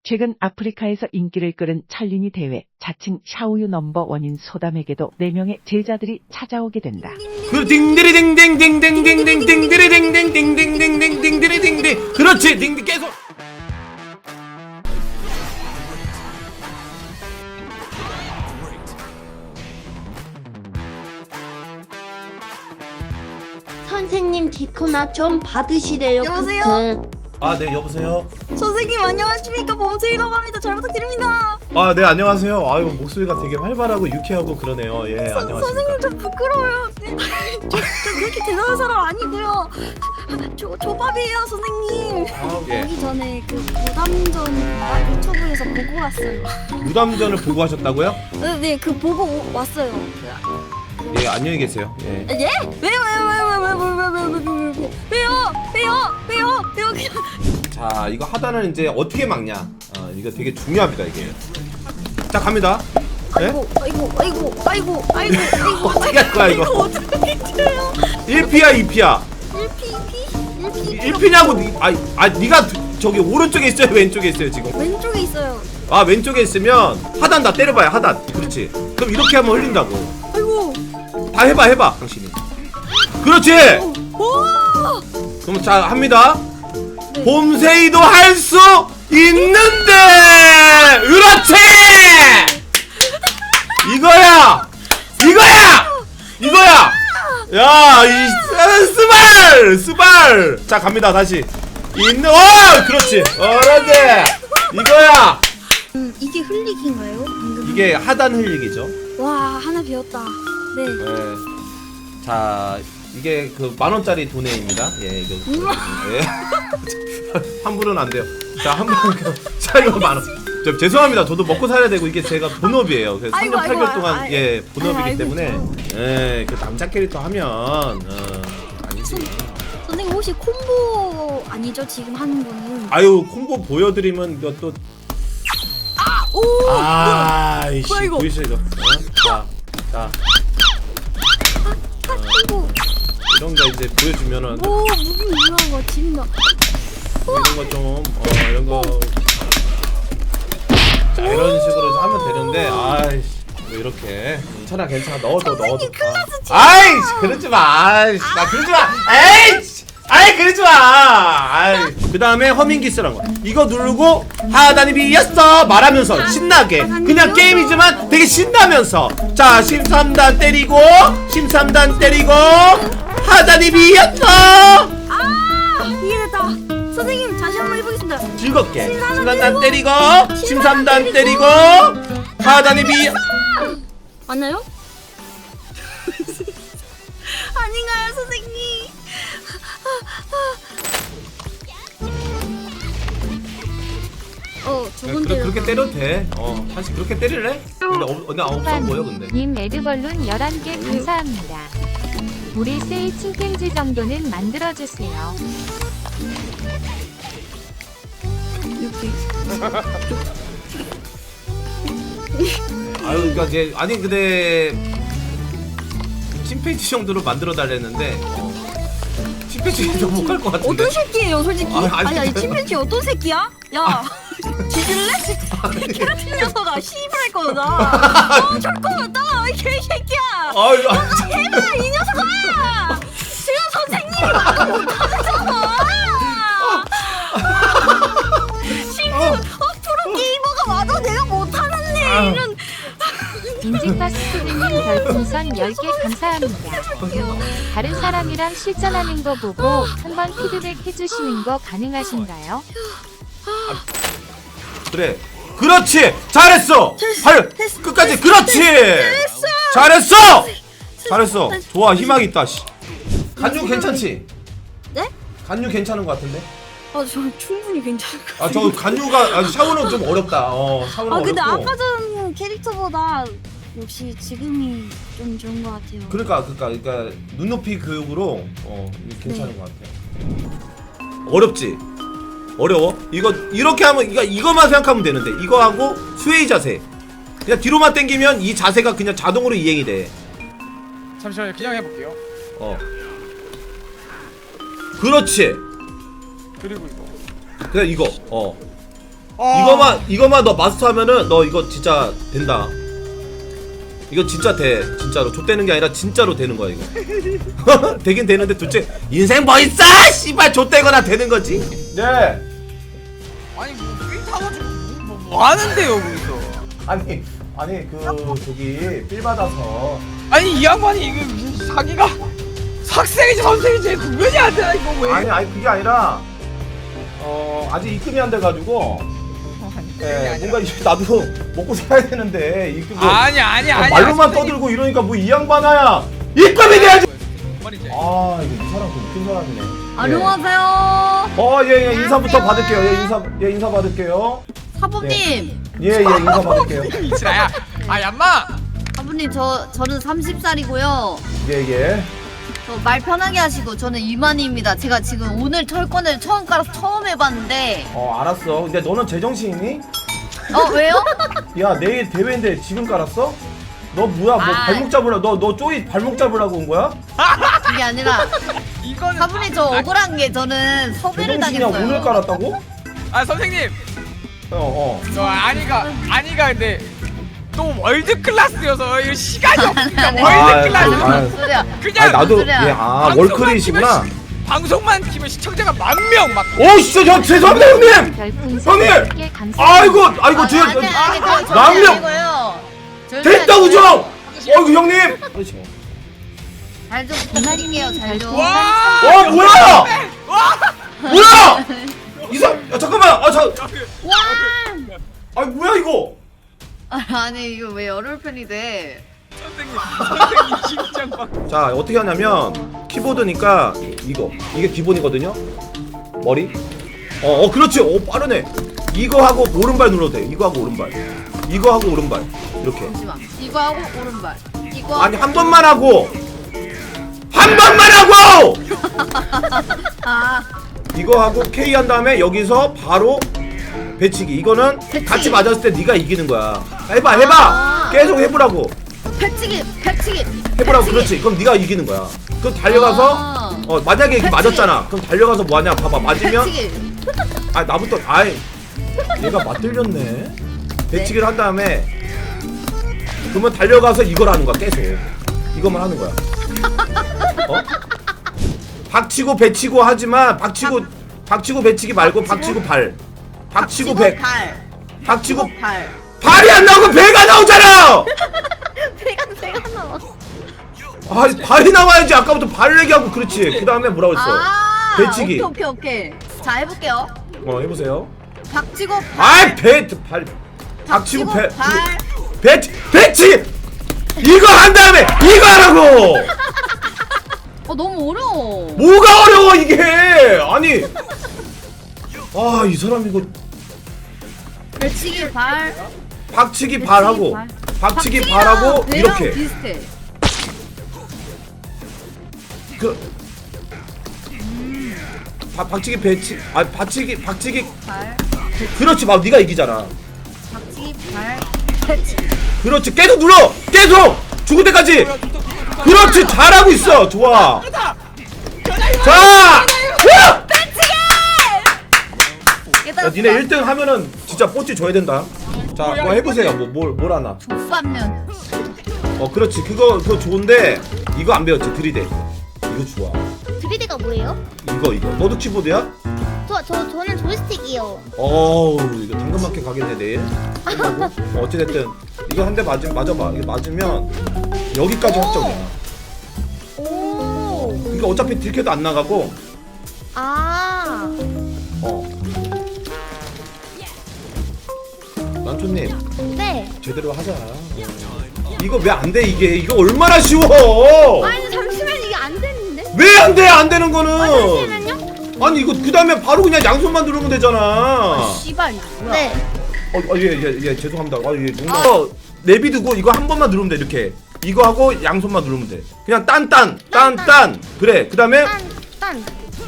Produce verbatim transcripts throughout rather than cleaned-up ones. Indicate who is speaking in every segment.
Speaker 1: 최근 아프리카에서 인기를 끌은 찰린이 대회, 자칭 샤오유 넘버 원인 소담에게도 네 명의 제자들이 찾아오게 된다.
Speaker 2: 그 딩디리 딩딩딩딩딩딩 딩디리 딩딩딩딩딩딩 딩디리 딩딩. 그렇지 딩딩 계속.
Speaker 3: 선생님 디코나 좀 받으시래요.
Speaker 4: 여보세요?
Speaker 3: 크크.
Speaker 2: 아 네 여보세요.
Speaker 4: 선생님 안녕하십니까? 범수이라고 합니다. 잘 부탁드립니다.
Speaker 2: 아 네 안녕하세요. 아유 목소리가 되게 활발하고 유쾌하고 그러네요. 예
Speaker 4: 서,
Speaker 2: 안녕하십니까.
Speaker 4: 선생님 좀 부끄러워요. 저, 저 그렇게 대단한 사람 아니고요. 저 조밥이에요 선생님.
Speaker 2: 아, 예.
Speaker 4: 오기 전에 그 무담전 아, 유튜브에서 보고 왔어요.
Speaker 2: 무담전을 보고 하셨다고요?
Speaker 4: 네, 그 보고 오, 왔어요.
Speaker 2: 예 안녕히 계세요. 예.
Speaker 4: 예? 왜요 왜요 왜요 왜요 왜요 왜요 왜요 왜요 왜요 왜요 왜요 왜요
Speaker 2: 자 이거 하단을 이제 어떻게 막냐. 아 이거 되게 중요합니다 이게. 자 갑니다. 예?
Speaker 4: 아이고 아이고 아이고 아이고 아이고 아이고
Speaker 2: 어떻게 할 거야 이거?
Speaker 4: 어떻게 해요?
Speaker 2: 일 피야 이 피야?
Speaker 4: 일 피 이 피 일 피
Speaker 2: 일 피냐고 니, 아, 아 니가 저기 오른쪽에 있어요 왼쪽에 있어요 지금?
Speaker 4: 왼쪽에 있어요.
Speaker 2: 아 왼쪽에 있으면 하단 다 때려봐요 하단. 그렇지. 그럼 이렇게 하면 흘린다고.
Speaker 4: 아이고.
Speaker 2: 다 해봐 해봐 당신이. 그렇지.
Speaker 4: 오!
Speaker 2: 그럼 자 합니다.
Speaker 4: 네.
Speaker 2: 봄새이도 할 수 있는데. 그렇지. 이거야 이거야 이거야. 야이 스발 스발. 자 갑니다 다시. 있는 어 그렇지. 어런데 이거야.
Speaker 4: 음, 이게 흘리기인가요? 방금
Speaker 2: 이게 하단 흘리기죠.
Speaker 4: 와 하나 배웠다. 네.
Speaker 2: 네. 자 이게 그 만원짜리 도네입니다. 예 이거 예. 환불은 안 돼요. 자 환불 자 이거 만원. 저 죄송합니다. 저도 먹고 살아야 되고 이게 제가 본업이에요. 그래서 삼 년
Speaker 4: 아이고,
Speaker 2: 팔 개월
Speaker 4: 아이고,
Speaker 2: 동안
Speaker 4: 아이고,
Speaker 2: 예 본업이기
Speaker 4: 아이고,
Speaker 2: 때문에 예그 남자 캐릭터 하면 어 아니지.
Speaker 4: 선생님 혹시 콤보 아니죠? 지금 하는 거는.
Speaker 2: 아유 콤보 보여드리면 이거
Speaker 4: 오!
Speaker 2: 또 아이씨
Speaker 4: 뭐야, 이거?
Speaker 2: 보이시죠 이거. 어? 자, 자
Speaker 4: 아이고.
Speaker 2: 이런 거 이제 보여주면은
Speaker 4: 오 무빙 유명한 거 진다.
Speaker 2: 이런 거 좀 어 이런 거 자 이런 식으로 하면 되는데 아이씨 뭐 이렇게 괜찮아 괜찮아 넣어도 넣어도
Speaker 4: 선생님 클라스 진짜.
Speaker 2: 아이씨 그러지 마 아이씨 나 그러지 마 에이씨 아이 그러지 마 아이 그 다음에 허밍기 쓰란 거 이거 누르고 하단이 비었어 말하면서 신나게 그냥 게임이지만 되게 신나면서 자 십삼 단 때리고 십삼 단 때리고 하단이 비었어
Speaker 4: 아 이해됐다. 선생님 다시 한번 해보겠습니다.
Speaker 2: 즐겁게
Speaker 4: 십삼 단
Speaker 2: 십삼 단 때리고
Speaker 4: 때리고,
Speaker 2: 십삼 단
Speaker 4: 때리고,
Speaker 2: 때리고 하단이 비
Speaker 4: 맞나요? 아닌가요 선생님? 어 두번
Speaker 2: 그래,
Speaker 4: 때려.
Speaker 2: 그렇게 때려도 돼. 어, 사실 그렇게 때릴래? 근데 어, 나 없어 보여 근데.
Speaker 5: 님 레드벌룬 열한 개 감사합니다. 우리 세이 칭탱지 정도는 만들어주세요.
Speaker 2: 아유, 그러니까 이제 아니 근데 침팬지 정도로 만들어 달랬는데 어, 침팬지도 못 갈 것 같은데.
Speaker 4: 어떤 새끼예요 솔직히?
Speaker 2: 아, 아니,
Speaker 4: 아니 아니
Speaker 2: 근데-
Speaker 4: 침팬지 어떤 새끼야? 야 뒤질래? 케라틴 녀석아 씨발 거다. 어 잠깐만 이 개새끼야.
Speaker 2: 아유, 아,
Speaker 4: 해봐 이 녀석아. 지금 선생님이 말도 못하잖아. 지금 어, 프로 게이머가 와도 내가 못하는 일은.
Speaker 5: 인증파스토리님 별풍선 열 개 감사합니다. 다른 사람이랑 실전하는 거 보고 한번 피드백 해주시는 거 가능하신가요?
Speaker 2: 그래. 그렇지. 잘했어. 발
Speaker 4: 됐어,
Speaker 2: 끝까지
Speaker 4: 됐어,
Speaker 2: 그렇지.
Speaker 4: 됐어.
Speaker 2: 잘했어. 잘했어. 좋아 희망 있다. 씨. 간유 괜찮지?
Speaker 4: 네?
Speaker 2: 간유 괜찮은 것 같은데?
Speaker 4: 아, 저 충분히 괜찮을 것
Speaker 2: 아 저 간유가 아, 샤워는 좀 어렵다. 어 샤워는
Speaker 4: 아, 근데
Speaker 2: 어렵고.
Speaker 4: 아까 전 캐릭터보다 역시 지금이 좀 좋은 것 같아요.
Speaker 2: 그러니까 그러니까 그러니까 눈높이 교육으로 어 이게 괜찮은
Speaker 4: 네.
Speaker 2: 것 같아. 어렵지? 어려워? 이거 이렇게 하면 이거 이거만 생각하면 되는데 이거 하고 스웨이 자세. 그냥 뒤로만 당기면 이 자세가 그냥 자동으로 이행이 돼.
Speaker 6: 잠시만요. 그냥 해볼게요.
Speaker 2: 어. 그렇지.
Speaker 6: 그리고 이거.
Speaker 2: 그냥 이거. 어.
Speaker 6: 어.
Speaker 2: 이거만 이거만 너 마스터하면은 너 이거 진짜 된다. 이거 진짜 돼. 진짜로 좆되는 게 아니라 진짜로 되는 거야 이거. 되긴 되는데 둘째 인생 뭐 있어? 씨발 좆되거나 되는 거지. 네.
Speaker 6: 아니 뭐삘 타가지고 뭐, 뭐 하는데요 거기서?
Speaker 2: 아니 아니 그 저기 삘 받아서.
Speaker 6: 아니 이 양반이 이거 무슨 사기가 학생이지 선생이지 구별이 안 되나 이거 왜?
Speaker 2: 아니 아니 그게 아니라 어 아직 입금이 안 돼가지고. 예, 뭔가 이제 나도 먹고 살아야 되는데 입금 뭐,
Speaker 6: 아니 아니
Speaker 2: 아,
Speaker 6: 아니.
Speaker 2: 말로만
Speaker 6: 아니,
Speaker 2: 떠들고 이러니까 뭐 이 양반아야 입금이 돼야지.
Speaker 6: 뭔 말이지?
Speaker 2: 아 이거 이 사람 좀 웃긴 사람이네.
Speaker 4: 안녕하세요.
Speaker 2: 어예예 인사부터 받을게요. 예 인사 예 인사 받을게요.
Speaker 4: 사부님.
Speaker 2: 예예 인사 받을게요.
Speaker 6: 이치라야. 아 얌마.
Speaker 4: 사부님 저 저는 서른 살이고요.
Speaker 2: 예예.
Speaker 4: 저 말 편하게 하시고 저는 이만희입니다. 제가 지금 오늘 철권을 처음 깔아서 처음 해봤는데.
Speaker 2: 어 알았어. 근데 너는 제정신이니?
Speaker 4: 어 왜요?
Speaker 2: 야 내일 대회인데 지금 깔았어? 너 뭐야 뭐
Speaker 4: 아.
Speaker 2: 발목 잡으려 너너 쪼이 발목 잡으려고 온 거야?
Speaker 4: 그게 아니라
Speaker 6: 이거는
Speaker 4: 사부님 저 억울한 게 저는 섭외를
Speaker 2: 제정신이야
Speaker 4: 당했어요.
Speaker 2: 오늘 깔았다고?
Speaker 6: 아 선생님.
Speaker 2: 어어.
Speaker 6: 저 아니가 아니가 근데 또 월드 클래스여서 이거 시간이 없습니다.
Speaker 4: 네.
Speaker 2: 아,
Speaker 6: 월드 클래스.
Speaker 2: 아,
Speaker 4: 무슨 소리야?
Speaker 6: 그냥
Speaker 2: 아니 나도
Speaker 4: 소리야.
Speaker 2: 예아
Speaker 6: 방송만
Speaker 2: 월클이시구나.
Speaker 6: 키면 시- 방송만 키면 시청자가 만 명 막.
Speaker 2: 오 진짜 저 죄송합니다 형님.
Speaker 5: 별풍선
Speaker 2: 형님!
Speaker 5: 열 개 감사합니다.
Speaker 2: 아이고 아이고
Speaker 4: 아니,
Speaker 2: 저
Speaker 4: 아니, 아니, 그거 절대
Speaker 2: 남명
Speaker 4: 아니고요. 절대
Speaker 2: 됐다고
Speaker 4: 아니고요.
Speaker 2: 좀. 어이구 형님.
Speaker 4: 잘좀 부탁드릴게요. 잘 좀.
Speaker 6: 와.
Speaker 2: 어 뭐야? 뭐야? 이상 야 잠깐만 아저
Speaker 4: 와!
Speaker 2: 아니 뭐야 이거?
Speaker 4: 아니 이거 왜 열흘 편이 돼?
Speaker 6: 선생님 선생님 심장 막.
Speaker 2: 자 어떻게 하냐면 키보드니까 이거 이게 기본이거든요. 머리. 어, 어 그렇지. 어 빠르네. 이거 하고 오른발 눌러도 돼. 이거 하고 오른발. 이거 하고 오른발. 이렇게.
Speaker 4: 잠시만. 이거 하고 오른발. 이거
Speaker 2: 아니
Speaker 4: 하고
Speaker 2: 한 번만 하고 한 번만 하고
Speaker 4: 아
Speaker 2: 이거 하고 K 한 다음에 여기서 바로 배치기. 이거는
Speaker 4: 배치기.
Speaker 2: 같이 맞았을 때 네가 이기는 거야. 해봐 해봐.
Speaker 4: 아.
Speaker 2: 계속 해보라고.
Speaker 4: 배치기 배치기.
Speaker 2: 해보라고.
Speaker 4: 배치기.
Speaker 2: 그렇지. 그럼 네가 이기는 거야. 그럼 달려가서
Speaker 4: 아.
Speaker 2: 어 만약에 이렇게
Speaker 4: 배치기.
Speaker 2: 맞았잖아. 그럼 달려가서 뭐하냐. 봐봐 맞으면
Speaker 4: 배치기.
Speaker 2: 아 나부터 아이 얘가 맞들렸네. 배치기를 한 다음에 그러면 달려가서 이걸 하는 거야. 계속 이것만 하는 거야. 어? 박치고 배치고 하지만 박치고 박치고 배치기 말고 박치고 발 박치고 배
Speaker 4: 발.
Speaker 2: 박치고
Speaker 4: 발.
Speaker 2: 발이 안 나오고 배가 나오잖아.
Speaker 4: 배가 배가 나와.
Speaker 2: 아 발이 나와야지. 아까부터 발 얘기하고 그렇지. 그 다음에 뭐라고 했어?
Speaker 4: 아
Speaker 2: 배치기.
Speaker 4: 오케이 오케이 오케이. 자 해볼게요.
Speaker 2: 어 해보세요.
Speaker 4: 박치고 발.
Speaker 2: 아이 배발 박치고 배
Speaker 4: 발.
Speaker 2: 배 배치 이거 한 다음에 이거 하라고.
Speaker 4: 어 너무 어려워.
Speaker 2: 뭐가 어려워 이게. 아니 아 이 사람 이거
Speaker 4: 배치기 발.
Speaker 2: 박치기 발하고
Speaker 4: 발.
Speaker 2: 박치기
Speaker 4: 박치기랑
Speaker 2: 발하고
Speaker 4: 배랑
Speaker 2: 이렇게
Speaker 4: 비슷해.
Speaker 2: 그 바, 박치기 배치 아 박치기 박치기
Speaker 4: 발.
Speaker 2: 그렇지 막 네가 이기잖아.
Speaker 4: 박치기 발. 배치기.
Speaker 2: 그렇지 계속 눌러 계속 죽을 때까지. 그렇지 잘하고 있어. 좋아. 자 후! 야, 니네 일 등 하면은 진짜 뽀찌 줘야 된다. 자, 뭐 해보세요. 뭐, 뭘, 뭘 하나.
Speaker 4: 족밥면.
Speaker 2: 어, 그렇지. 그거, 그거 좋은데, 이거 안 배웠지. 드리대. 이거 좋아.
Speaker 3: 드리드가 뭐예요?
Speaker 2: 이거, 이거. 너도 키보드야?
Speaker 3: 저, 저, 저는 조이스틱이요.
Speaker 2: 어우, 이거 당근마켓 가겠네, 내일. 어, 어찌됐든. 이거 한 대 맞으면, 맞아봐. 이거 맞으면, 여기까지 확정이야.
Speaker 3: 오.
Speaker 2: 그러니까 어차피 딜캐도 안 나가고,
Speaker 3: 아.
Speaker 2: 어. 남촌님,
Speaker 3: 네.
Speaker 2: 제대로 하자. 이거 왜 안 돼, 이게? 이거 얼마나 쉬워!
Speaker 3: 아니, 잠시만, 이게 안 되는데?
Speaker 2: 왜 안 돼? 안 되는 거는.
Speaker 3: 아, 잠시만요.
Speaker 2: 아니 이거 그 다음에 바로 그냥 양손만 누르면 되잖아.
Speaker 4: 씨발 이거 뭐야?
Speaker 3: 네.
Speaker 2: 어, 어, 예, 예, 예, 죄송합니다. 아, 예, 농담. 어, 내비두고 이거 한 번만 누르면 돼. 이렇게. 이거 하고 양손만 누르면 돼. 그냥 딴딴, 딴딴. 그래. 그 다음에
Speaker 3: 딴, 딴,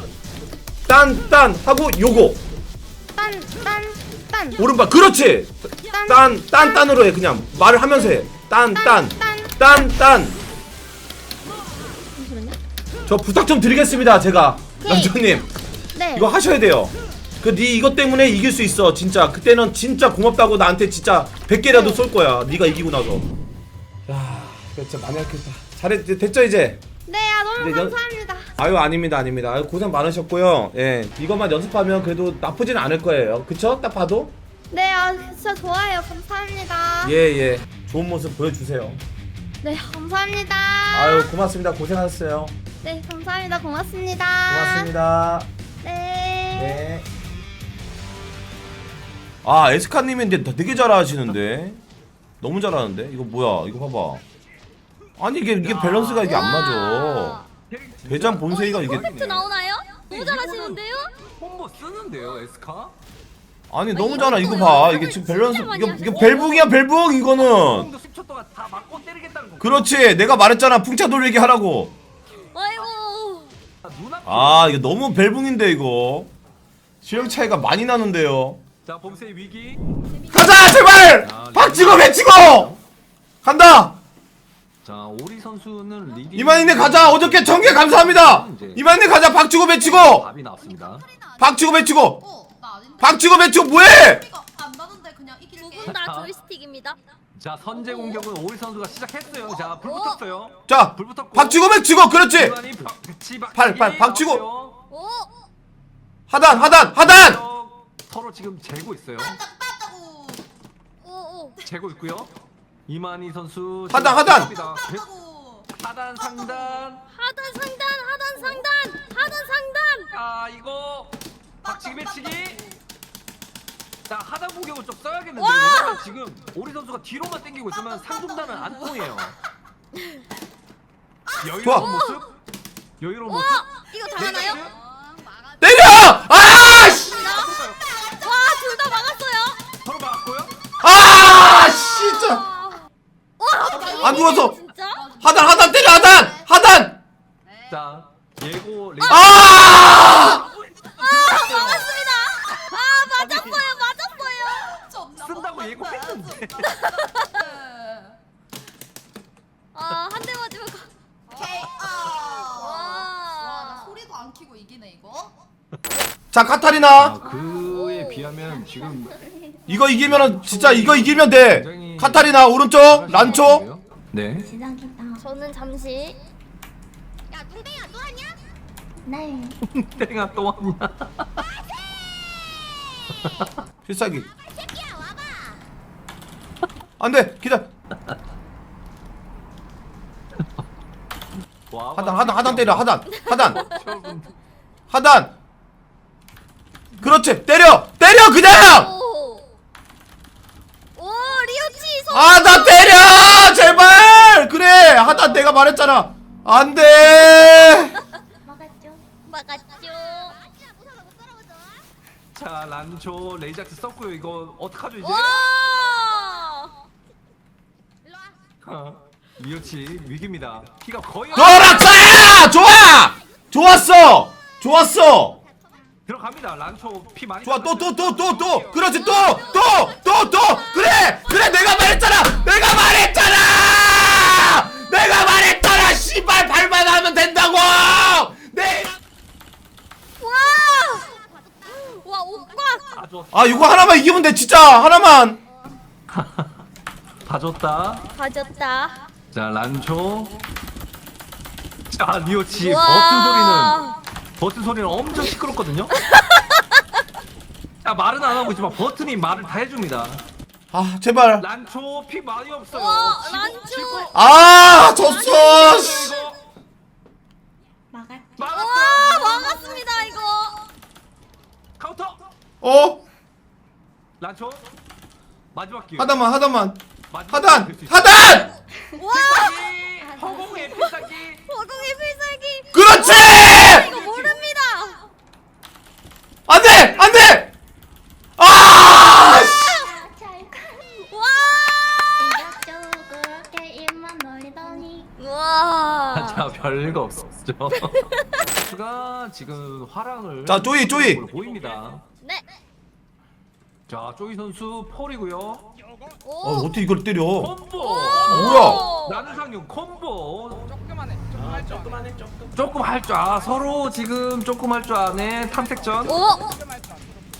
Speaker 2: 딴딴 하고 요거
Speaker 3: 딴, 딴, 딴.
Speaker 2: 오른발. 그렇지. 딴, 딴딴으로 해. 그냥 말을 하면서 해. 딴딴, 딴딴.
Speaker 3: 잠시만요.
Speaker 2: 저 부탁 좀 드리겠습니다. 제가
Speaker 3: 오케이.
Speaker 2: 남편님
Speaker 3: 네.
Speaker 2: 이거 하셔야 돼요. 그 네 이것 때문에 이길 수 있어 진짜. 그때는 진짜 고맙다고 나한테 진짜 백 개라도 쏠 거야 네가 이기고 나서. 야 이거 진짜 많이 아꼈다. 잘했 됐죠 이제?
Speaker 3: 네, 아, 너무
Speaker 2: 이제 연-
Speaker 3: 감사합니다.
Speaker 2: 아유 아닙니다 아닙니다. 아유, 고생 많으셨고요. 예 이것만 연습하면 그래도 나쁘진 않을 거예요. 그쵸? 딱 봐도?
Speaker 3: 네, 아, 진짜 좋아요. 감사합니다.
Speaker 2: 예예 좋은 모습 보여주세요.
Speaker 3: 네, 감사합니다.
Speaker 2: 아유 고맙습니다. 고생하셨어요.
Speaker 3: 네, 감사합니다. 고맙습니다.
Speaker 2: 고맙습니다.
Speaker 3: 네.
Speaker 2: 네. 아 에스카님이 근데 되게 잘하시는데 너무 잘하는데 이거 뭐야 이거 봐봐. 아니 이게 이게 밸런스가 이게 안 맞아. 대장 본세이가 이게
Speaker 4: 퍼펙트 나오나요? 너무 잘하시는데요?
Speaker 6: 콤보 쓰는데요 에스카?
Speaker 2: 아니 너무 잘하. 이거 봐 이게 지금 밸런스 이게 이게 벨붕이야 벨붕 이거는.
Speaker 6: 콤도 십 초 동안 다 맞고 때리겠다는 거.
Speaker 2: 그렇지 내가 말했잖아 풍차 돌리기 하라고.
Speaker 4: 아이고.
Speaker 6: 눈앞.
Speaker 2: 아 이거 너무 벨붕인데 이거 실력 차이가 많이 나는데요.
Speaker 6: 자 범세의 위기.
Speaker 2: 가자 제발 박치고 배치고 간다.
Speaker 6: 자 오리 선수는 리딩.
Speaker 2: 이만희네 가자. 어저께 전개 감사합니다. 이만희네 가자. 박치고 배치고
Speaker 6: 답이 나왔습니다.
Speaker 2: 박치고 배치고
Speaker 7: 어, 나 아닌데.
Speaker 2: 박치고 배치고 뭐해?
Speaker 7: 이거 안 나는데 그냥 이길게.
Speaker 4: 두 분 다 조이스틱입니다.
Speaker 6: 자 선제 공격은 오리 선수가 시작했어요. 자 불 붙었어요.
Speaker 2: 자
Speaker 6: 불 붙었고.
Speaker 2: 박치고 배치고 그렇지.
Speaker 6: 이만희 박- 배치 박치기
Speaker 2: 팔, 팔, 박치고.
Speaker 6: 나왔어요.
Speaker 4: 오.
Speaker 2: 하단 하단 하단.
Speaker 6: 서로 지금 재고 있어요.
Speaker 7: 따따고.
Speaker 4: 오. 오.
Speaker 6: 재고 있고요. 이만희 선수
Speaker 2: 하단, 하단.
Speaker 7: 따따고.
Speaker 6: 하단 상단.
Speaker 4: 하단 상단 하단 상단 하단 상단.
Speaker 6: 아 이거 박치기 배치기. 자 하단 공격을 좀 써야겠는데
Speaker 4: 와!
Speaker 6: 왜냐면 지금 오리 선수가 뒤로만 당기고 있으면 상중단은 안 통해요. 여유로운
Speaker 2: 좋아.
Speaker 6: 모습. 여유로운
Speaker 4: 와
Speaker 6: 모습.
Speaker 4: 이거 당하나요?
Speaker 6: 네이스.
Speaker 2: 때려. 아 씨.
Speaker 4: 와둘 다 막았어요.
Speaker 6: 서로 막았고요.
Speaker 2: 아 진짜.
Speaker 4: 와.
Speaker 2: 안 죽었어.
Speaker 4: 진짜?
Speaker 2: 하단 하단 때려 하단 하단.
Speaker 6: 자 예고 레이.
Speaker 2: 아.
Speaker 4: 막았습니다. 아 맞았어요 맞았어요.
Speaker 6: 쓴다고 예고했는데.
Speaker 4: 아한 대 맞으면 가.
Speaker 7: 오케이. 아.
Speaker 4: 와.
Speaker 7: 와, 나 소리도 안 키고 이기네 이거.
Speaker 2: 자 카타리나
Speaker 6: 그에 비하면 지금
Speaker 2: 이거 이기면은 진짜 이거 이기면 돼. 카타리나 오른쪽 란초.
Speaker 6: 네.
Speaker 4: 저는 잠시.
Speaker 3: 야, 뚱땡이야, 또 하냐?
Speaker 7: 네.
Speaker 6: 땡아 또 왔냐?
Speaker 2: 필살기. 안돼 기다.
Speaker 6: 와,
Speaker 2: 하단 하단 하단 때려 하단 하단
Speaker 6: 저분.
Speaker 2: 하단. 그렇지 때려 때려 그냥.
Speaker 4: 오. 오 리오치 소.
Speaker 2: 아 나 때려 제발. 그래 하단 내가 말했잖아. 안돼.
Speaker 4: 막았죠.
Speaker 6: 자 란초 레이작스 썼고요. 이거 어떡하죠 이제?
Speaker 4: 와.
Speaker 6: 어, 리오치 위기입니다. 키가 거의
Speaker 2: 너락사야 좋아 좋았어 좋았어.
Speaker 6: 들어갑니다. 란초 피 많이.
Speaker 2: 좋아 또 또 또 또 또 그렇지 또 또 또 또 그래 그래 내가 말했잖아 내가 말했잖아 내가 말했잖아 씨발 발만 하면 된다고 네.
Speaker 4: 와. 와 오빠.
Speaker 6: 다 줬.
Speaker 2: 아 이거 하나만 이기면 돼 진짜 하나만.
Speaker 6: 다 줬다.
Speaker 4: 가졌다.
Speaker 6: 자 란초. 자 리오치
Speaker 4: 와.
Speaker 6: 버튼 소리는 버튼 소리는 엄청 시끄럽거든요. 자 말은 안 하고 있지만 버튼이 말을 다 해줍니다.
Speaker 2: 아 제발.
Speaker 6: 란초 피 많이 없어요.
Speaker 4: 와,
Speaker 6: 치고,
Speaker 4: 란초.
Speaker 6: 치고.
Speaker 2: 아 졌어 씨.
Speaker 6: 이거.
Speaker 4: 와
Speaker 6: 막았어요.
Speaker 4: 막았습니다 이거.
Speaker 6: 카운터.
Speaker 2: 어
Speaker 6: 란초 마지막 기회.
Speaker 2: 하단만 하단만
Speaker 6: 마지막
Speaker 2: 하단
Speaker 6: 기회 될수 있어요.
Speaker 2: 하단
Speaker 4: 와.
Speaker 6: 필살기! 허공의 필살기.
Speaker 4: 허공의 필살기.
Speaker 2: 그렇지
Speaker 4: 이거 모릅니다.
Speaker 2: 안돼 안돼 아 씨.
Speaker 4: 와.
Speaker 6: 자 별거 없었죠. 수가 지금 화랑을.
Speaker 2: 자, 쪼이, 쪼이.
Speaker 6: 보입니다.
Speaker 4: 네.
Speaker 6: 자 쪼이 선수 폴이고요.
Speaker 4: 오.
Speaker 2: 어 어떻게 이걸 때려
Speaker 6: 콤보.
Speaker 2: 뭐야
Speaker 6: 나누상용 콤보. 조금만 해. 조금 할 줄. 조금만 해. 조금. 조금 할 줄. 아 서로 지금 조금 할 줄 아네 탐색전.
Speaker 4: 오.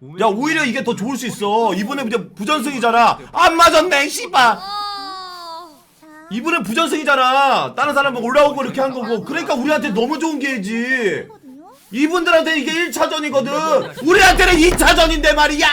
Speaker 2: 야 오히려 이게 더 좋을 수 있어. 이번에 이제 부전승이잖아. 안 맞았네 씨발. 이번에 부전승이잖아. 다른 사람 뭐 올라오고 이렇게 한 거고. 그러니까 우리한테 너무 좋은 기회지. 이분들한테 이게 일 차전이거든. 우리한테는 이 차전인데 말이야.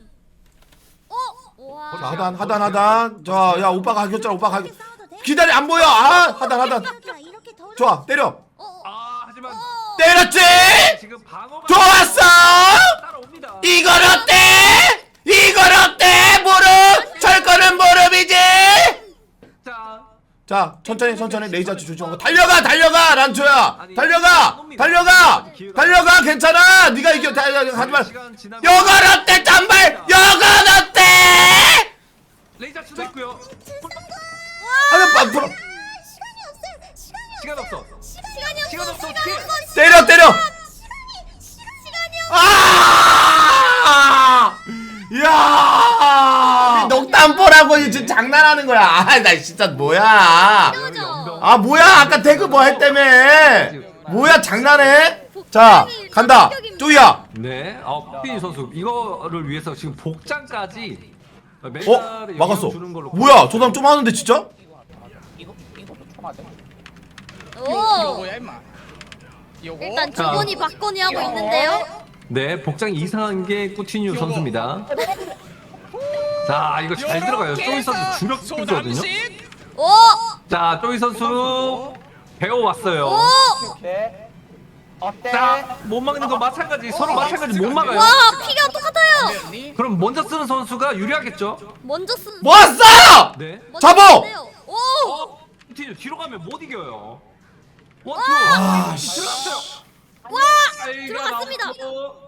Speaker 2: 자, 하단 하단 하단. 자, 야 오빠가 하겼잖아. 오빠가 하겼. 기다려 안 보여. 아 하단 하단.
Speaker 7: 이렇게 더
Speaker 2: 좋아 때려.
Speaker 8: 아 하지만
Speaker 2: 때렸지.
Speaker 8: 지금 방어가
Speaker 2: 좋았어.
Speaker 8: 따라옵니다.
Speaker 2: 이건 어때? 이건 어때? 무릎. 철거는 무릎이지.
Speaker 8: 자
Speaker 2: 자 천천히 천천히 레이저치 조심하고 달려가 달려가 란초야 달려가 달려가 달려가 괜찮아 네가 이겨 다- 하지만
Speaker 8: 시간 지나면
Speaker 2: 여건 어때 짠발 여건 어때
Speaker 8: 레이저 치도 있고요.
Speaker 2: 아니 앞으로
Speaker 8: 시간 없어.
Speaker 3: 시간이 없어.
Speaker 8: 시간 없어.
Speaker 3: 시간이
Speaker 8: 어떡해.
Speaker 3: 없어.
Speaker 2: 때려 때려
Speaker 3: 시간이 없어.
Speaker 2: 아 야 녹담보라고 지금 장난하는 거야 아 나 진짜 뭐야 아 뭐야 아까 태그 뭐 했다며 뭐야 장난해 자 간다 쪼이야
Speaker 8: 네. 어 피 선수 이거를 위해서 지금 복장까지
Speaker 2: 어
Speaker 8: 멘탈에
Speaker 2: 막았어
Speaker 8: 영향 주는 걸로
Speaker 2: 뭐야 저 사람 좀 하는데 진짜
Speaker 6: 이거 이거 총하대. 이거
Speaker 3: 오.
Speaker 6: 뭐야 임마. 이거.
Speaker 3: 일단
Speaker 8: 자.
Speaker 3: 주번이 박건이 하고 있는데요.
Speaker 8: 네, 복장이 이상한 게 꾸티뉴 선수입니다. 자, 이거 잘 들어가요. 쪼이 선수 주력이거든요.
Speaker 3: 오.
Speaker 8: 자, 쪼이 선수 배워왔어요.
Speaker 3: 오.
Speaker 6: 오케이. 어때?
Speaker 8: 자, 못 막는 거 마찬가지. 서로 마찬가지 못 막아요.
Speaker 3: 와 피가 똑같아요.
Speaker 8: 그럼 먼저 쓰는 선수가 유리하겠죠?
Speaker 3: 먼저 쓴.
Speaker 2: 뭐았어
Speaker 8: 네.
Speaker 3: 먼저
Speaker 2: 잡어!
Speaker 3: 쓰는데요. 오.
Speaker 8: 어, 꾸티뉴 뒤로 가면 못 이겨요. 원, 투.
Speaker 2: 아, 씨.
Speaker 8: 들어갔어요.
Speaker 3: 와.
Speaker 8: 아이가
Speaker 3: 들어갔습니다.
Speaker 8: 나오고.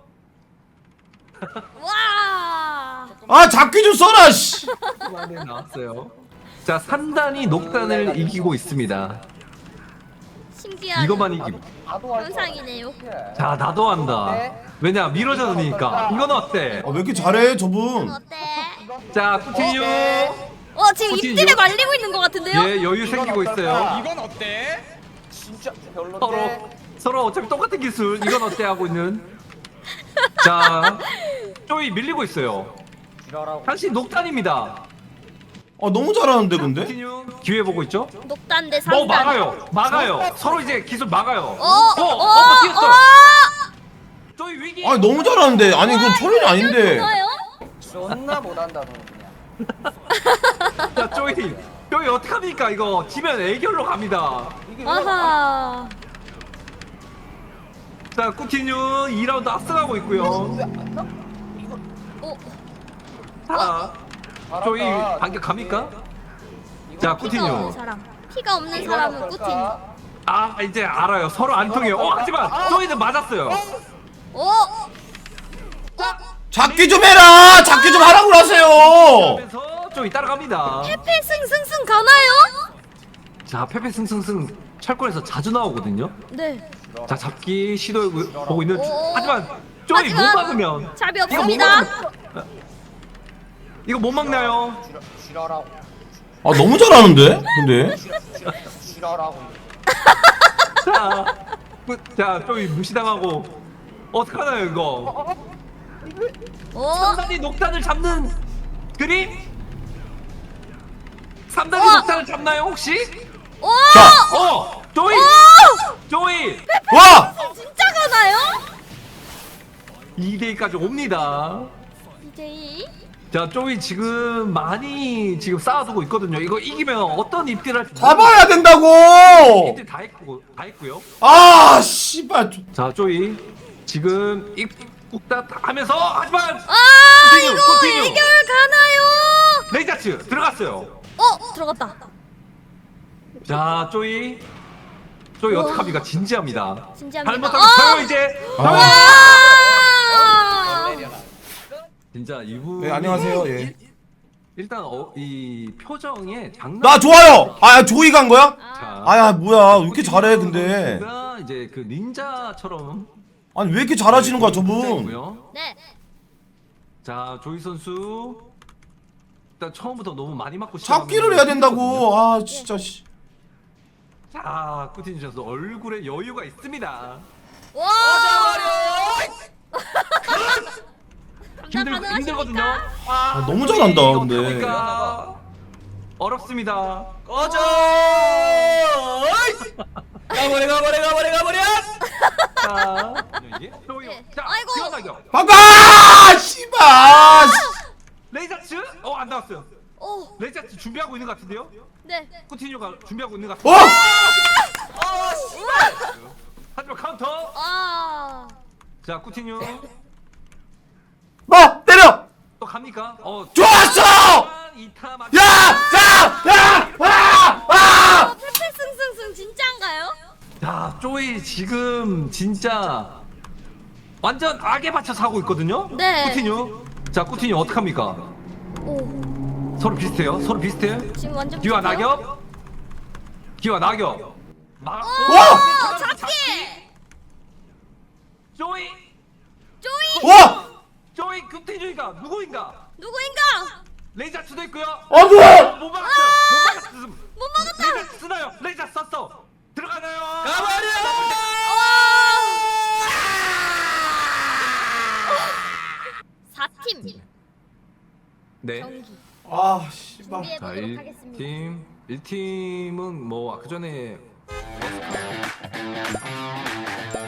Speaker 3: 와.
Speaker 2: 아 잡기 좀 써라 씨
Speaker 8: 네, 나왔어요. 자, 산단이 녹단을 이기고 있습니다.
Speaker 3: 신기한
Speaker 8: 이것만 이기고.
Speaker 3: 현상이네요.
Speaker 8: 자, 나도 한다. 왜냐, 미러전이니까. 이건 어때?
Speaker 2: 아, 왜 이렇게 잘해 저분
Speaker 3: 어때?
Speaker 8: 자, 꾸티뉴.
Speaker 3: 어 지금
Speaker 8: 코치님,
Speaker 3: 입질에
Speaker 8: 요-
Speaker 3: 말리고 있는 것 같은데요?
Speaker 8: 예, 여유 생기고 있어요.
Speaker 6: 이건 어때? 진짜 별론데.
Speaker 8: 서로 서로 어차피 똑같은 기술. 이건 어때 하고 있는. 자, 쪼이 밀리고 있어요.
Speaker 6: 지랄하고.
Speaker 8: 다시 녹단입니다.
Speaker 2: 아 너무 잘하는데 근데
Speaker 8: 꾸티뉴 기회 보고 있죠?
Speaker 3: 녹단 대
Speaker 8: 어,
Speaker 3: 상단.
Speaker 8: 막아요. 막아요. 서로 이제 기술 막아요.
Speaker 3: 어,
Speaker 8: 어,
Speaker 3: 어,
Speaker 8: 어, 버티었어.
Speaker 3: 어.
Speaker 8: 쪼이 위기.
Speaker 2: 아니 너무 잘하는데 아니 이건 철이 아닌데
Speaker 3: 좋아요?
Speaker 6: 존나 못한다 너 그냥.
Speaker 8: 자, 쪼이. 쪼이 어떡합니까? 이거 지면 애결로 갑니다.
Speaker 3: 아하.
Speaker 8: 자, 꾸티뉴 이 라운드 앞서가고 있고요.
Speaker 3: 어,
Speaker 8: 자, 쪼이 반격 갑니까? 자,
Speaker 3: 피가 없는
Speaker 8: 꾸티뉴.
Speaker 3: 사람. 피가 없는 사람은 꾸틴.
Speaker 8: 아, 이제 알아요. 서로 안 통해요. 어, 하지만 쪼이는 맞았어요.
Speaker 3: 오.
Speaker 2: 잡기 좀 해라 잡기 좀 하라고 하세요
Speaker 8: 그러면서 쪼이 따라갑니다.
Speaker 3: 페페 승승승 가나요?
Speaker 8: 자, 페페 승승승 철권에서 자주 나오거든요.
Speaker 3: 네.
Speaker 8: 자, 잡기 시도 보고 있는.
Speaker 3: 오.
Speaker 8: 하지만 쪼이 못
Speaker 3: 하지만
Speaker 8: 막으면
Speaker 3: 잡이
Speaker 8: 이거 못
Speaker 3: 없습니다.
Speaker 8: 막으면 이거 못 막나요?
Speaker 6: 지랄하고.
Speaker 2: 아 너무 잘하는데 근데
Speaker 6: 지랄하고.
Speaker 8: 자, 그- 자, 쪼이 무시당하고 어떡하나요 이거?
Speaker 3: 오.
Speaker 8: 삼단이 녹단을 잡는 그림? 삼단이
Speaker 3: 어.
Speaker 8: 녹단을 잡나요 혹시?
Speaker 3: 오.
Speaker 2: 자.
Speaker 8: 어! 쪼이!
Speaker 3: 오.
Speaker 8: 쪼이!
Speaker 2: 와
Speaker 3: 진짜 가나요?
Speaker 8: 이 대이까지 옵니다.
Speaker 3: 이제이.
Speaker 8: 자, 쪼이 지금 많이 지금 쌓아두고 있거든요. 이거 이기면 어떤 입질을 할지
Speaker 2: 잡아야 된다고
Speaker 8: 입질 다 했고 다 했고요.
Speaker 2: 아 씨발
Speaker 8: 자, 쪼이 지금 입국다 다 하면서 하지만
Speaker 3: 아
Speaker 8: 코팅유,
Speaker 3: 이거
Speaker 8: 코팅유.
Speaker 3: 해결 가나요?
Speaker 8: 레이자츠 들어갔어요.
Speaker 3: 어 들어갔다.
Speaker 8: 자, 쪼이 쪼이 어떡합니까? 진지합니다.
Speaker 3: 진지합니다.
Speaker 8: 잘못하면
Speaker 3: 어!
Speaker 8: 져요 이제.
Speaker 2: 아.
Speaker 8: 져요.
Speaker 3: 와.
Speaker 8: 진짜 이분.
Speaker 2: 네, 안녕하세요. 예.
Speaker 8: 일단 어, 이 표정에 장난.
Speaker 2: 나 좋아요 아 조이 간 거야
Speaker 8: 자,
Speaker 2: 아야 뭐야 왜 이렇게 잘해 근데
Speaker 8: 선수가 이제 그 닌자처럼
Speaker 2: 아니 왜 이렇게 잘하시는 거야 저분
Speaker 8: 있고요.
Speaker 3: 네.
Speaker 8: 자, 조이 선수 일단 처음부터 너무 많이 맞고 시작하면
Speaker 2: 잡기를 해야 된다고 아 진짜 씨
Speaker 8: 자, 꾸틴 선수 얼굴에 여유가 있습니다.
Speaker 3: 와.
Speaker 8: 힘들,
Speaker 3: 가능하십니까?
Speaker 8: 힘들거든요.
Speaker 2: 아, 너무 잘한다, 근데.
Speaker 8: 어떡합니까? 어렵습니다.
Speaker 6: 꺼져. 가버려 가버려 가버려 가버려.
Speaker 8: 자, 조이. 자,
Speaker 3: 아이고.
Speaker 8: 기어나격.
Speaker 2: 바꿔! 씨발!
Speaker 8: 레이저츠? 어, 안 나왔어요.
Speaker 3: 오,
Speaker 8: 레이저츠 준비하고 있는 것 같은데요?
Speaker 3: 네.
Speaker 8: 쿠티뉴가 준비하고 있는 것
Speaker 2: 어!
Speaker 8: 같은데.
Speaker 6: 어
Speaker 8: 하지만 카운터.
Speaker 3: 아,
Speaker 8: 자, 쿠티뉴.
Speaker 2: 뭐! 때려!
Speaker 8: 또 갑니까? 어,
Speaker 2: 좋았어!
Speaker 8: 이타 맞.
Speaker 2: 야! 자! 야! 아! 아!
Speaker 3: 페페 승승승 진짜인가요?
Speaker 8: 자, 쪼이 지금 진짜 완전 악에 받쳐서 하고 있거든요?
Speaker 3: 네.
Speaker 8: 쿠티뉴. 자, 쿠티뉴 어떡합니까?
Speaker 3: 오,
Speaker 8: 서로 비슷해요. 서로 비슷해.
Speaker 3: 지금 완전
Speaker 8: 기와
Speaker 3: 비슷해요?
Speaker 8: 낙엽. 기와 낙엽. 막.
Speaker 2: 와!
Speaker 3: 잡기!
Speaker 8: 쪼이.
Speaker 3: 쪼이!
Speaker 2: 와!
Speaker 8: 쪼이 쿠티뉴가 누구인가?
Speaker 3: 누구인가?
Speaker 8: 레이저츠도 있고요.
Speaker 2: 아, 뭐야!
Speaker 8: 못 막았어요. 못 막았어.
Speaker 3: 못 막았다!
Speaker 8: 레이저 쓰나요? 레이저 썼어. 들어가나요?
Speaker 6: 가버려.
Speaker 3: 사 팀
Speaker 8: 네.
Speaker 3: 경기
Speaker 2: 아, 씨발.
Speaker 8: 자,
Speaker 3: 준비해보도록
Speaker 8: 일
Speaker 3: 하겠습니다.
Speaker 8: 팀. 일 팀은 뭐 아까 전에